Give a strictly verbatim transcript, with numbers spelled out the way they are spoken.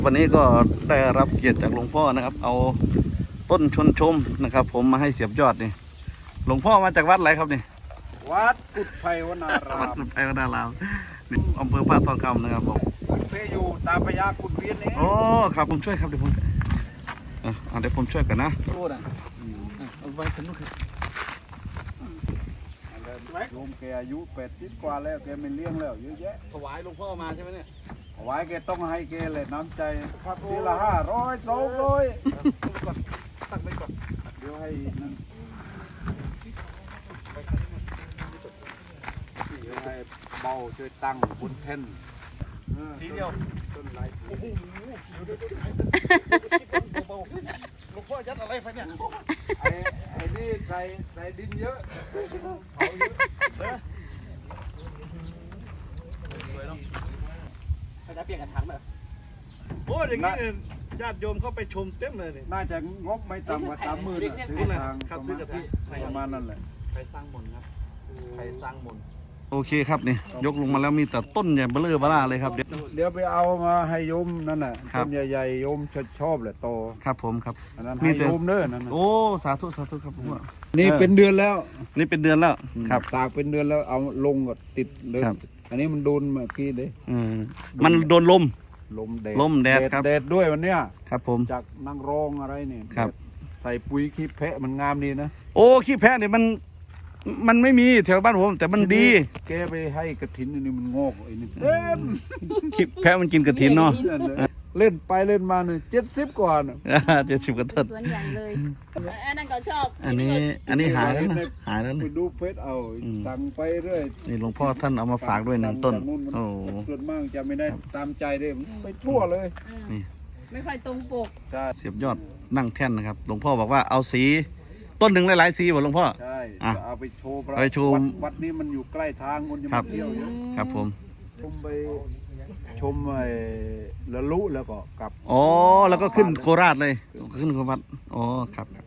วันนี้ก็ได้รับเกียรติจากหลวงพ่อนะครับเอาต้นชนชมนะครับผมมาให้เสียบยอดนี่หลวงพ่อมาจากวัดอะไรครับนี่วัดกุดไพวนารามวัดกุดไพวนารามนี่อำเภอพระทองคำนะครับผมเพอยู่ตามพญากุดเวียนเองโอ้ครับผมช่วยครับเดี๋ยวผมอ่ะเดี๋ยวผมช่วยกันนะโอ้ด่ะเอาไว้สนุกครับโยมแกอายุแปดสิบกว่าแล้วแกไม่เลี้ยงแล้วเยอะแยะถวายหลวงพ่อมาใช่ไหมเนี่ยถวายแกต้องให้แกเลยน้ำใจครับทีละห้าร้อยสองร้อยตั้งไว้ก่อนเดี๋ยวให้นั่นเดี๋ยวให้เบาช่วยตั้งบนแท่นสีเดียวต้นไม้โอ้โหหลวงพ่อยัดอะไรไปเนี่ยไอ้ไอ้นี่ใส่ใส่ดินเยอะเผาเยอะสวยเนาะเขาจะเปลี่ยนกระถางแบบโอ้อย่างนี้ญาติโยมเข้าไปชมเต็มเลยนี่น่าจะงบไม่ต่ำกว่าสามหมื่นซื้อทางประมาณนั้นแหละใครสร้างมนครับใครสร้างมนโอเคครับนี่ยกลงมาแล้วมีแต่ต้นใหญ่เบลอเบล่าเลยครับเดี๋ยวเดี๋ยวไปเอามาให้โยมนั่นน่ะต้นใหญ่ๆโยมชอบแหละโตครับผมครับอันนั้นให้โยมเด้อนั่นโอ้สาธุสาธุครับผมว่านี่เป็นเดือนแล้วนี่เป็นเดือนแล้วครับตากเป็นเดือนแล้วเอาลงก็ติดเลยอันนี้มันโดนเมื่อกี้เลยมันโดนลมลมแดดลมแดดครับแดดด้วยวันเนี้ยครับผมจากนางรองอะไรเนี่ยครับใส่ปุ๋ยขี้แพะมันงามดีนะโอ้ขี้แพะเนี่ยมันมันไม่มีแถวบ้านผมแต่มันดีแกไปให้กระถินนี่มันงอกไอ้นี่เต็มขี้แพะมันกินกระถินเนาะเล่นไปเล่นมาเนี่ยเจ็ดสิบกว่าน่ะเจ็ดสิบกว่าต้นสวนใหญ่เลยอันนั้นก็ชอบอันนี้อันนี้หายแล้วนะหายแล้วไปดูเพชรเอาสั่งไปเรื่อยนี่หลวงพ่อท่านเอามาฝากด้วยหนึ่งต้นโอ้ส่วนมากจะไม่ได้ตามใจเลยไปทั่วเลยนี่ไม่ค่อยตรงปกใช่เสียบยอดนั่งแท่นนะครับหลวงพ่อบอกว่าเอาสีต้นหนึ่งหลายๆสีบอกหลวงพ่อใช่เอาไปโชว์ไปโชว์วัดนี้มันอยู่ใกล้ทางคนจะมาเที่ยวเยอะครับผมชมไปชมไอ้ละลุแล้วก็กลับอ๋อแล้วก็ขึ้นโคราชเลยขึ้นโคราชอ๋อครับ